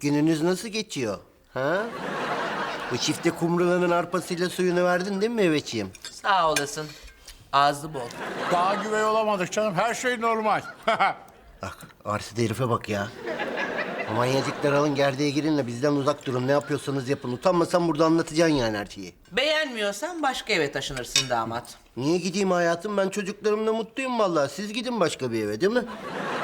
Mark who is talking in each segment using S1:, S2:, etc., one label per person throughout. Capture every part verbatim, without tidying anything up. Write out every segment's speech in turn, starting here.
S1: gününüz nasıl geçiyor? Ha? Bu çifte kumrulanın arpasıyla suyunu verdin değil mi Mehmetciğim?
S2: Sağ olasın. Ağzı bol.
S3: Daha güvey olamadık canım. Her şey normal.
S1: Bak arsız herife bak ya. Manyacıklar alın gerdeğe girinle bizden uzak durun. Ne yapıyorsanız yapın. Utanmasan burada anlatacaksın yani her şeyi.
S2: Beğenmiyorsan başka eve taşınırsın damat.
S1: Niye gideyim hayatım? Ben çocuklarımla mutluyum vallahi. Siz gidin başka bir eve değil mi?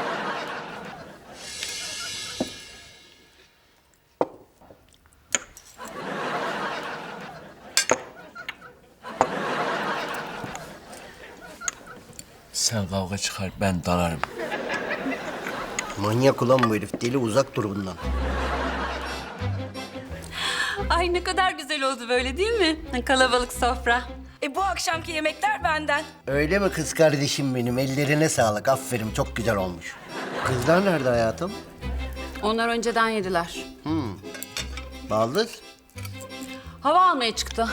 S4: Sen kavga çıkar, ben dalarım.
S1: Manyak ulan bu herif. Deli uzak dur bundan.
S5: Ay ne kadar güzel oldu böyle değil mi? Kalabalık sofra.
S6: E bu akşamki yemekler benden.
S1: Öyle mi kız kardeşim benim? Ellerine sağlık. Aferin çok güzel olmuş. Kızlar nerede hayatım?
S5: Onlar önceden yediler.
S1: Baldız?
S5: Hava almaya çıktı.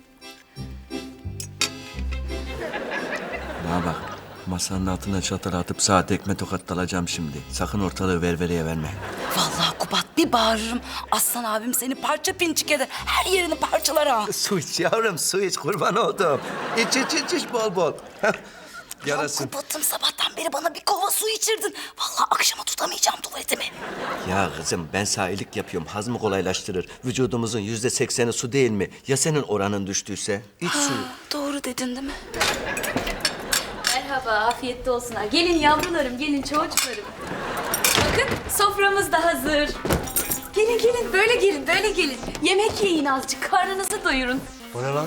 S4: Bana bak, masanın altına çatal atıp saat ekme tokat dalacağım şimdi. Sakın ortalığı ververeye verme.
S6: Vallahi Kubat bir bağırırım. Aslan abim seni parça pinçik eder. Her yerini parçalar ha.
S4: Su iç yavrum, su iç, kurban oldum. İç, iç, iç, iç bol bol. Yarasın.
S6: Kubat'ım sabahtan beri bana bir kova su içirdin. Vallahi akşama tutamayacağım tuvaletimi.
S4: Ya kızım, ben sana iyilik yapıyorum, hazmı kolaylaştırır. Vücudumuzun yüzde sekseni su değil mi? Ya senin oranın düştüyse? İç suyu.
S6: Doğru dedin değil mi?
S5: Merhaba, afiyette olsunlar. Gelin yavrularım, gelin çocuklarım. Bakın soframız da hazır. Gelin gelin, böyle gelin, böyle gelin. Yemek yiyin azıcık, karnınızı doyurun.
S1: O ne lan?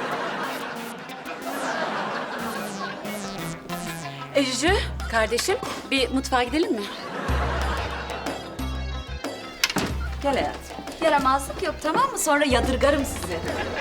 S5: Ejü, kardeşim, bir mutfağa gidelim mi? Gel hayatım. Yaramazlık yok tamam mı? Sonra yadırgarım sizi.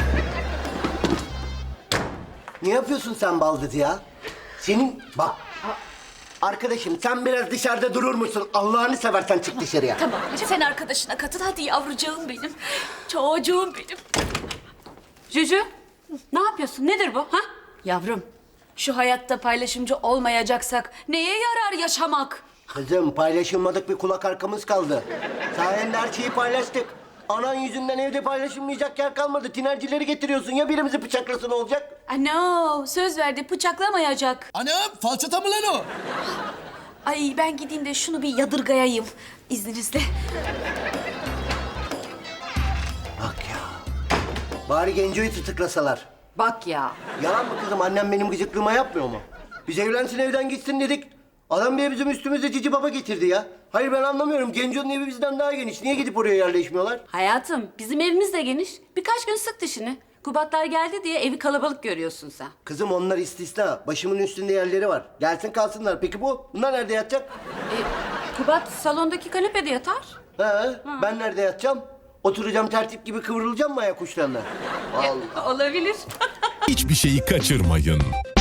S1: Ne yapıyorsun sen Baldız ya? Senin bak. Arkadaşım sen biraz dışarıda durur musun? Allah'ını seversen çık dışarıya.
S5: Tamam, hadi sen arkadaşına katıl. Hadi yavrucağım benim. Çocuğum benim. Cücü, ne yapıyorsun? Nedir bu? Ha? Yavrum, şu hayatta paylaşımcı olmayacaksak neye yarar yaşamak?
S1: Kızım paylaşılmadık bir kulak arkamız kaldı. Sayende her şeyi paylaştık. Anan yüzünden evde paylaşılmayacak yer kalmadı. Tinercileri getiriyorsun ya birimizi bıçaklasın olacak.
S5: Ano, söz verdi bıçaklamayacak.
S7: Anam falçata mı lan o?
S5: Ay ben gideyim de şunu bir yadırgayayım izninizle.
S1: Bak ya. Bari Genco'yu tutuklasalar.
S5: Bak ya.
S1: Yalan mı kızım? Annem benim gıcıklığıma yapmıyor mu? Biz evlensin evden gitsin dedik. Adam bir bizim üstümüze cici baba getirdi ya. Hayır ben anlamıyorum. Genco'nun evi bizden daha geniş. Niye gidip oraya yerleşmiyorlar?
S5: Hayatım bizim evimiz de geniş. Birkaç gün sık dişini. Kubatlar geldi diye evi kalabalık görüyorsun sen.
S1: Kızım onlar istisna. Başımın üstünde yerleri var. Gelsin kalsınlar. Peki bu? Bunlar nerede yatacak?
S5: E, Kubat salondaki kanepede yatar.
S1: Ha, ben nerede yatacağım? Oturacağım tertip gibi kıvrılacağım mı ayak uçlarına? Allah.
S5: Olabilir.
S8: Hiçbir şeyi kaçırmayın.